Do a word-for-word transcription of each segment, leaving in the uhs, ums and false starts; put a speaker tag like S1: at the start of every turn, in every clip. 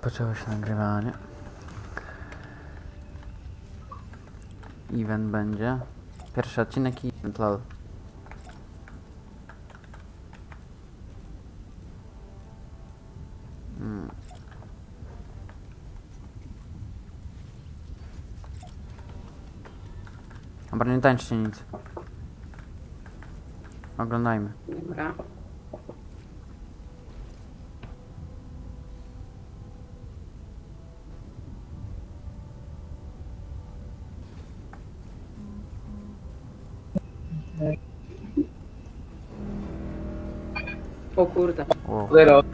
S1: Rozpoczęło się nagrywanie. Event będzie. Pierwszy odcinek i event, lol. Hmm. Dobra, nie tańczcie nic. Oglądajmy.
S2: Dobra. O kurde.
S1: Wow.
S3: Zero.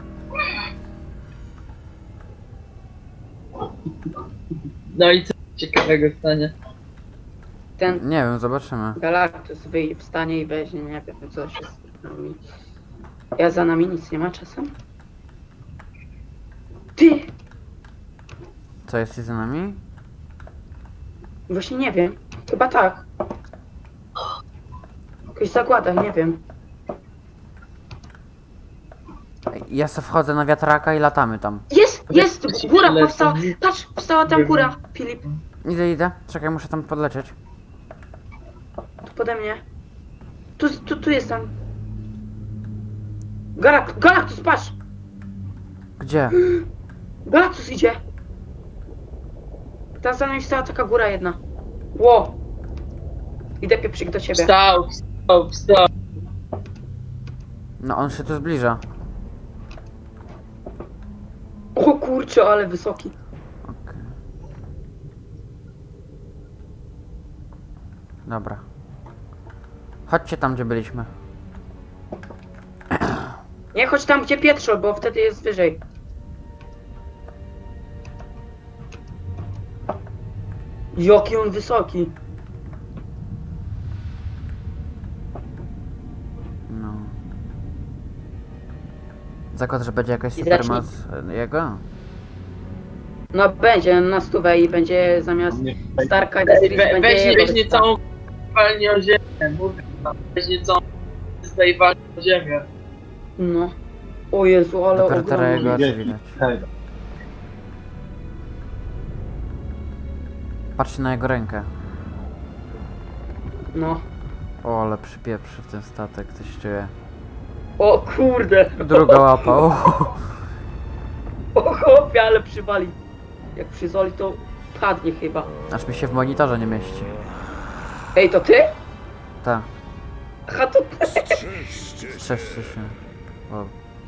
S3: No i co ciekawego stanie?
S2: Ten
S1: Nie wiem, zobaczymy.
S2: Galactus wyjdzie, wstanie i weźmie, nie wiem co się z nami. Ja za nami nic nie ma czasem. Ty!
S1: Co jest za nami?
S2: Właśnie nie wiem. Chyba tak. Jakaś zagłada, nie wiem.
S1: Ja se wchodzę na wiatraka i latamy tam.
S2: Jest! Jest! Góra
S3: Lecą.
S2: powstała! Patrz! Powstała tam góra, Filip.
S1: Idę, idę. Czekaj, muszę tam podlecieć.
S2: Tu pode mnie. Tu, tu, tu jestem. Galak Galactus, patrz!
S1: Gdzie?
S2: Galactus idzie! Tam za nami stała taka góra jedna. Ło! Idę pieprzyk do ciebie.
S3: Wstał, wstał, wstał.
S1: No on się tu zbliża.
S2: O kurczę, ale wysoki.
S1: Okej. Dobra. Chodźcie tam, gdzie byliśmy.
S2: Nie chodź tam, gdzie Pietrzo, bo wtedy jest wyżej. Jaki on wysoki.
S1: No. Zakład, że będzie jakaś
S2: I
S1: supermoc e, jego?
S2: No będzie na stówę i będzie zamiast Starka
S3: Ej,
S2: Distris
S3: we,
S2: będzie
S3: weź,
S2: jego
S3: weź nie
S2: wyspa.
S3: całą walnię o ziemię, mówię wam. Weź nie całą tutaj walnię o ziemię.
S2: No. O Jezu, ale
S1: Dopiero teraz jego
S2: ogromny.
S1: oczy widać. Patrzcie na jego rękę.
S2: No.
S1: O, ale przypieprzy w ten statek, coś czuję.
S2: O kurde.
S1: Druga łapa, o.
S2: O chłopie, ale przywali. Jak przyzoli, to padnie chyba.
S1: Aż mi się w monitorze nie mieści.
S2: Ej, to ty?
S1: Tak,
S2: Aha, to ty.
S1: strzeżcie się. O.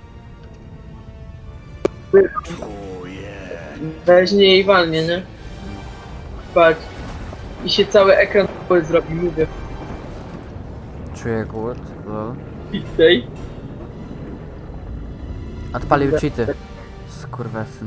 S3: Weź nie i walnię, nie? Patrz. I się cały ekran cały zrobi, mówię.
S1: Czuję głód, lol.
S3: I tutaj.
S1: Odpalił cheaty. Skurwesyn.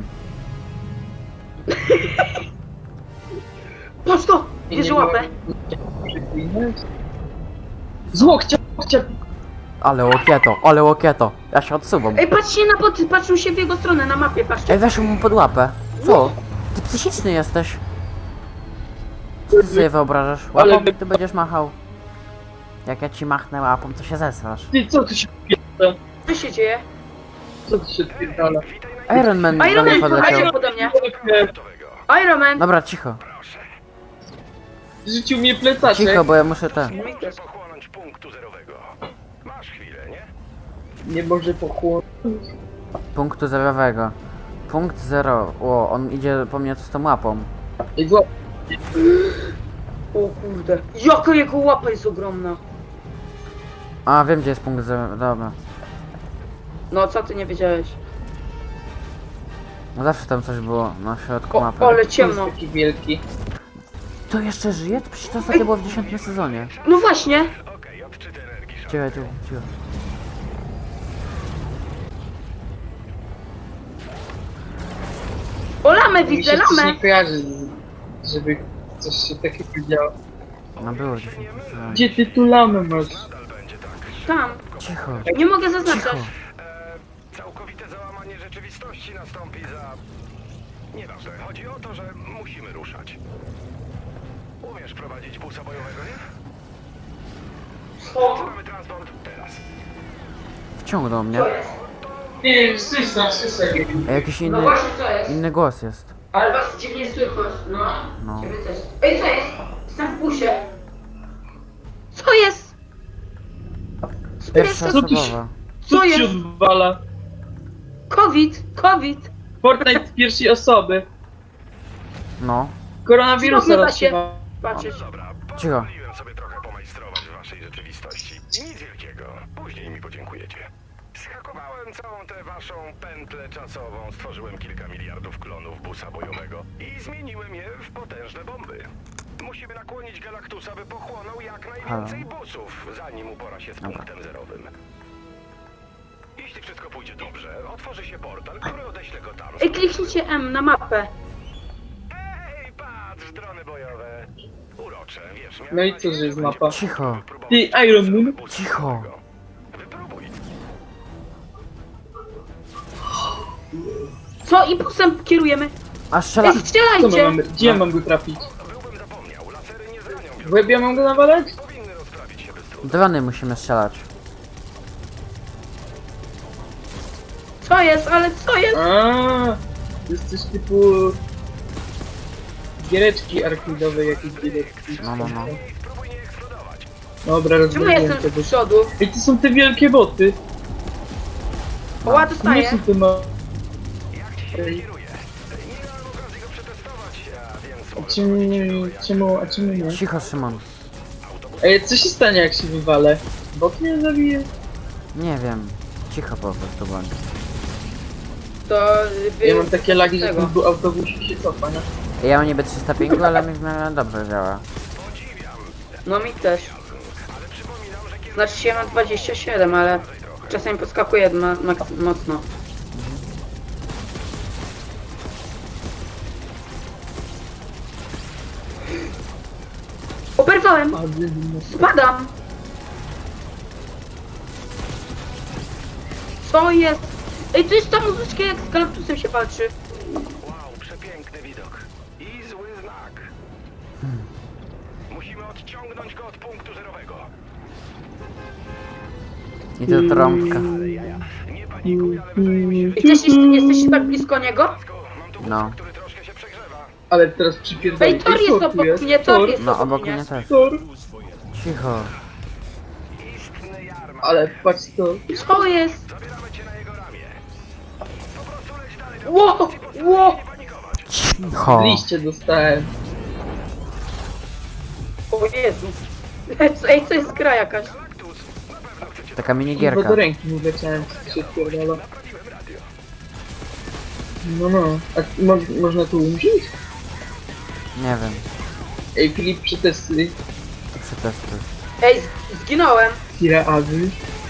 S2: Patrz to!
S3: I
S2: Bierze
S3: nie
S2: łapę.
S3: Przeklinać. Z łokcia, łokcia.
S1: Ale łokieto, ale łokieto. Ja się odsuwam.
S2: Ej, patrzcie na boty, patrzą się w jego stronę, na mapie, patrzcie.
S1: Ej, weszł mu pod łapę. Co? Ty psychiczny jesteś. Co ty sobie wyobrażasz?
S3: Ale
S1: Łapą
S3: wy-
S1: ty będziesz machał. Jak ja ci machnę łapą, to się zesrasz.
S3: Ty, co tu się odpierdala?
S2: Co się dzieje?
S3: Co tu się odpierdala?
S1: Iron Man do
S2: Iron
S1: mnie
S2: Man
S1: podleciał.
S2: podleciał pode mnie. Iron Man!
S1: Dobra, cicho.
S3: Rzucił mnie plecaczek.
S1: Cicho, bo ja muszę te.
S2: Mi też.
S4: pochłonąć punktu zerowego. Masz chwilę, nie?
S3: Nie może pochłonąć.
S1: Punktu zerowego. Punkt zero. O, on idzie po mnie z tą łapą.
S3: I złap.
S2: O kurde. Jaka jego łapa jest ogromna.
S1: A, wiem gdzie jest punkt zero. Dobra.
S2: No, co ty nie wiedziałeś?
S1: No zawsze tam coś było na środku
S2: O,
S1: mapy.
S2: ale ciemno.
S3: Taki wielki.
S1: To jeszcze żyje? To przecież to ostatnio było w dziesiątym sezonie.
S2: No właśnie.
S4: Okej, odczyt energii.
S1: Cicho, cicho, cicho.
S2: O, lamę
S3: Mi
S2: widzę,
S3: się coś
S2: lamę.
S3: nie kojarzy, z- żeby coś się takiego działo.
S1: No było w dziesiątym sezonie.
S3: Gdzie ty tu lamę masz?
S4: Nadal będzie tak.
S2: Tam.
S1: Cicho,
S2: Nie mogę zaznaczać.
S1: cicho.
S4: E, całkowite załamanie rzeczywistości nastąpi za... Nieważne, chodzi o to, że musimy ruszać. Umiesz prowadzić busa bojowego, nie?
S2: O,
S4: Mamy transport teraz.
S1: Wciągnął mnie.
S3: Nie, nie, stój tam, stój sobie.
S1: A jakiś
S2: No
S1: inny,
S2: właśnie co jest?
S1: inny głos jest.
S2: Ale was dziwnie słychać, no.
S1: No.
S2: Ciebie też. Ej, co jest? Jestem w busie. Co jest?
S1: Pierwsza
S3: Co tu się-
S1: osobowa.
S3: Co
S2: Co
S3: ci się
S2: jest?
S3: odwala?
S2: COVID, COVID.
S3: Fortnite z pierwszej osoby.
S1: No.
S3: Koronawirusa
S2: Zróbmy się.
S3: rozsiewa.
S2: Patrzeć.
S4: Dobra,
S1: Cicho.
S4: pozwoliłem sobie trochę pomajstrować w waszej rzeczywistości. Nic wielkiego. Później mi podziękujecie. Schakowałem całą tę waszą pętlę czasową, stworzyłem kilka miliardów klonów busa bojowego i zmieniłem je w potężne bomby. Musimy nakłonić Galactusa, by pochłonął jak najwięcej busów, zanim upora się z
S1: Dobra.
S4: punktem zerowym. Jeśli wszystko pójdzie dobrze, otworzy się portal, który odeśle go tam.
S2: Ej, kliknijcie M na mapę.
S4: Hej, patrz, drony bojowe. Urocze, wiesz, miałem
S3: No i
S4: nadzieję,
S3: co, że jest
S4: będzie
S3: mapa?
S1: Cicho.
S4: wypróbować
S3: Ty, Iron Moon?
S4: busa
S1: Cicho.
S4: bojowego. Wypróbuj.
S2: Co? I busem kierujemy.
S1: A strzela...
S2: Ej,
S3: Co my
S2: strzelajcie.
S3: mamy? Gdzie ja mam go trafić?
S4: Byłbym zapomniał, lasery nie zranią
S3: W łeb ja mam go nawalać?
S4: powinny rozprawić się bez trudu.
S1: Drony musimy strzelać.
S2: Co jest? Ale co jest?
S3: A, to jest coś typu... Giereczki arcade'owe jakieś giereczki.
S1: No, no, no.
S4: Spróbuj nie eksplodować.
S3: Dobra,
S2: Czemu ja
S3: rozumiem
S2: jestem
S3: tego.
S2: z przodu?
S3: Ej, to są te wielkie boty.
S2: Oła,
S3: To nie
S2: dostaję.
S3: są te ma...
S4: Jak ci się
S3: Ej.
S4: kieruje? Nie miałem okazji go przetestować, a więc
S3: A
S4: może
S3: czemu,
S4: powiedzieć,
S3: czemu, a czemu nie?
S1: Cicho, Szymon.
S3: Ej, co się stanie jak się wywalę? Bot mnie zabije?
S1: Nie wiem. Cicho po prostu bądź.
S2: To wy...
S3: Ja mam takie lagi, że
S2: tego.
S3: ten bu- autobus się cofa, nie?
S1: Ja mam niby trzysta pięć, ale mi w miarę dobrze działa.
S2: No mi też. Znaczy się mam dwadzieścia siedem, ale czasami podskakuje ma, maks- mocno. Oberwałem!
S3: A, wy-
S2: Spadam! Co jest? Ej, to jest ta muzyczka, jak z Galactusem się walczy.
S4: wow, przepiękny widok. I zły znak. Musimy odciągnąć go od punktu zerowego.
S1: I to trąbka.
S4: Nie panikuj, ale wydaje mi się, że
S2: Jesteś, jesteś tak blisko niego?
S4: mam tu busa,
S1: No.
S4: który troszkę się przegrzewa.
S3: Ale teraz przypierdolę.
S2: Ej, tor jest obok mnie, tor jest
S1: No
S2: obok
S1: obok
S2: mnie.
S1: mnie też.
S3: Tor.
S1: Cicho.
S4: Istny jarmark.
S3: Ale patrz to.
S2: Co jest?
S4: Zabieramy cię na jego ramię. Po prostu leć dalej do
S2: Ło!
S4: pozycji,
S2: Ło!
S4: nie panikować.
S1: Cicho.
S3: Liście dostałem.
S2: O Jezu. Ej, to jest gra jakaś.
S4: Galactus, na pewno chcecie
S1: Taka
S3: Bo
S1: minigierka.
S3: do ręki mu leciałem, co się odpierdala.
S4: naprawiłem radio.
S3: No no. A mo można tu umrzeć?
S1: Nie wiem.
S3: Ej, Filip, przetestuj.
S1: Przetestuj.
S2: Ej, z- zginąłem.
S3: Kira Azy.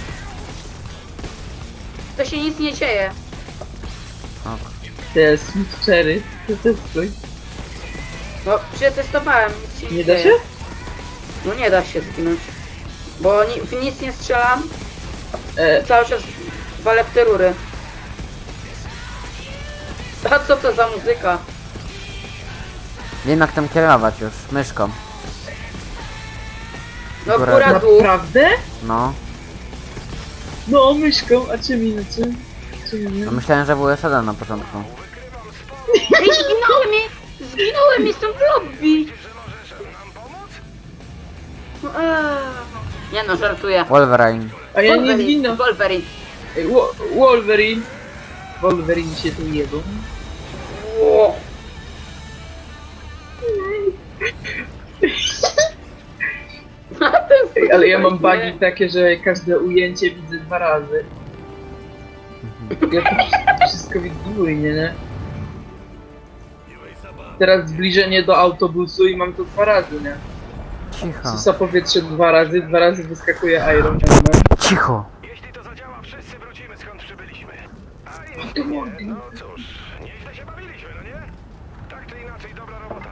S2: To się nic nie dzieje.
S1: Ok.
S3: Teraz Sweet Cherry. Przetestuj.
S2: No, przetestowałem, nic się nie,
S3: Nie da
S2: dzieje.
S3: się?
S2: No nie da się zginąć. Bo ni w nic nie strzelam,
S3: E,
S2: cały czas walę w te rury. A co to za muzyka?
S1: Wiem jak tam kierować już. Myszką.
S2: No
S1: Góra-
S2: góra dół.
S3: naprawdę?
S1: No.
S3: No, myszką, a czym inaczej? Czym
S1: No
S3: inaczej?
S1: myślałem, że W S jeden na początku.
S2: Ej, zginąłem mi! Zginąłem, jestem w lobby! No, eee. Nie no, żartuję.
S1: Wolverine.
S3: A ja nie
S2: Wolverine,
S3: zginę.
S2: Wolverine.
S3: Ej, Wo- Wolverine. Wolverine się tu jedzą.
S2: Ło.
S3: Ej, ale ja mam bugi takie, że każde ujęcie widzę dwa razy. Ja to wszystko widzę dwójnie, nie? Teraz zbliżenie do autobusu i mam to dwa razy, nie?
S1: Cicho.
S3: Susa powietrze dwa razy, dwa razy wyskakuje Iron Man.
S1: Cicho.
S4: Jeśli to zadziała, wszyscy wrócimy skąd przybyliśmy. A jeśli nie, no cóż, nieźle się bawiliśmy, no nie? Tak czy inaczej, dobra robota.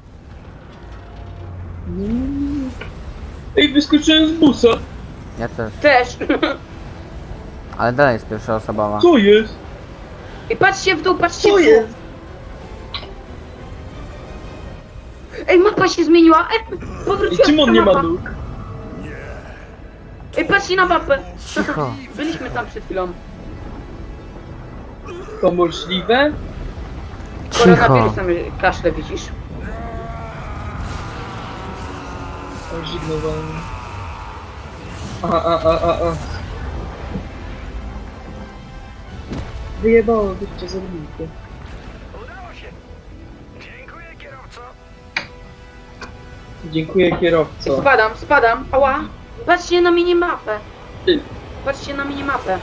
S3: Ej, wyskoczyłem z busa!
S1: Ja też.
S2: Też.
S1: Ale dalej jest pierwsza osobowa.
S3: Co jest?
S2: I patrzcie w dół, patrzcie
S3: Co
S2: w dół.
S3: jest?
S2: Ej, mapa się zmieniła. Ej,
S3: I
S2: powróciła
S3: czym on
S2: ta
S3: nie ma
S2: mapa.
S3: nóg?
S2: Ej, patrzcie na mapę.
S1: Cicho.
S2: Byliśmy tam przed chwilą.
S3: To możliwe?
S1: Cicho.
S2: Koronawirusem kaszle widzisz.
S3: O, zimno wolno. A, a, a, a, a. Wyjebało, wyście zrobiliście.
S4: Udało się. Dziękuję, kierowco.
S3: Dziękuję, kierowco.
S2: Spadam, spadam, ała. Patrzcie na minimapę.
S3: Ty.
S2: Patrzcie na minimapę.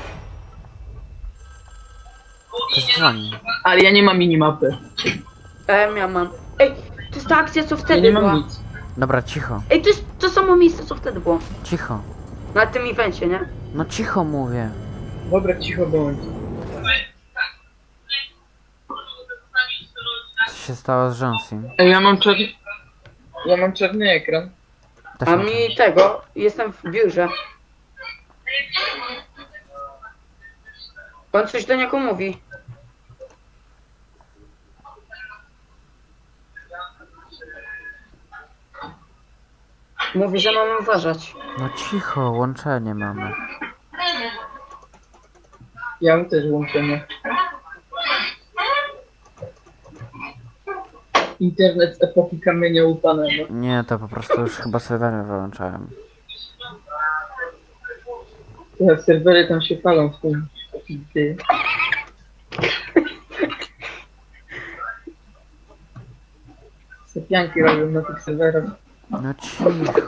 S1: Ktoś dzwoni.
S3: Ale ja nie mam minimapy.
S2: E, ja mam. Ej, to jest ta akcja, co
S3: Ja
S2: wtedy
S3: nie
S2: była.
S3: mam nic.
S1: Dobra, cicho.
S2: Ej, to jest to samo miejsce, co wtedy było.
S1: Cicho.
S2: Na tym evencie, nie?
S1: No cicho mówię.
S3: Dobra, cicho bądź.
S1: Co się stało z Johnsim?
S3: Ej, ja mam czarny... Ja mam czarny ekran.
S1: Też
S2: A
S1: mam
S2: mi tego, jestem w biurze. On coś do niego mówi. Mówi, że mamy uważać.
S1: No cicho, łączenie mamy.
S3: Ja mam też łączenie. Internet z epoki kamienia łupanego.
S1: Nie, to po prostu już chyba serwery wyłączałem.
S3: Ja serwery tam się palą w tym. Ty. Sypianki robią na tych serwerach.
S1: No cicho.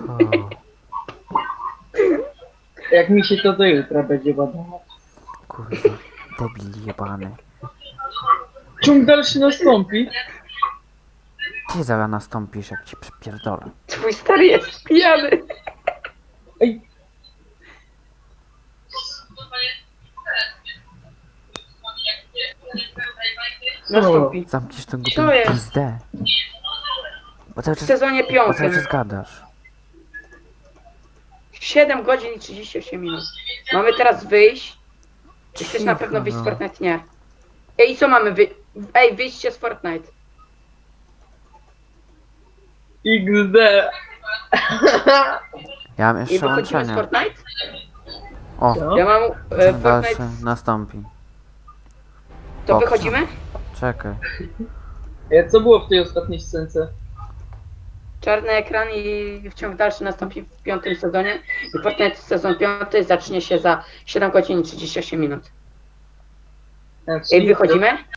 S3: Jak mi się to do jutra będzie badało.
S1: Kurwa, debil jebany.
S3: Ciąg dalszy nastąpi.
S1: Ty zaraz nastąpisz, jak ci przypierdolę.
S2: Twój stary jest pijany.
S3: Ej,
S2: Nastąpi.
S1: Zamkniesz tą
S2: Co
S1: głupią
S2: jest?
S1: pizdę. Bo cały
S2: W
S1: czas,
S2: sezonie
S1: bo cały
S2: piątym.
S1: czas gadasz.
S2: siedem godzin i trzydzieści osiem minut. Mamy teraz wyjść. Czy chcesz na
S1: Cicho,
S2: pewno wyjść z
S1: no.
S2: Fortnite? Nie. Ej, co mamy wy... Ej, wyjście z Fortnite.
S3: iks de.
S1: Ja mam
S2: I
S1: jeszcze
S2: wychodzimy z
S1: łączenie.
S2: Fortnite?
S1: O,
S3: Co?
S2: Ja mam e,
S1: ciąg dalszy
S2: Fortnite.
S1: nastąpi.
S2: To
S1: Boksa.
S2: wychodzimy?
S1: Czekaj.
S3: E, Co było w tej ostatniej scence?
S2: Czarny ekran i wciąg dalszy nastąpi w piątym sezonie. I Fortnite sezon piąty zacznie się za siedem godzin i trzydzieści osiem minut.
S3: A,
S2: Ej,
S3: czyli
S2: wychodzimy?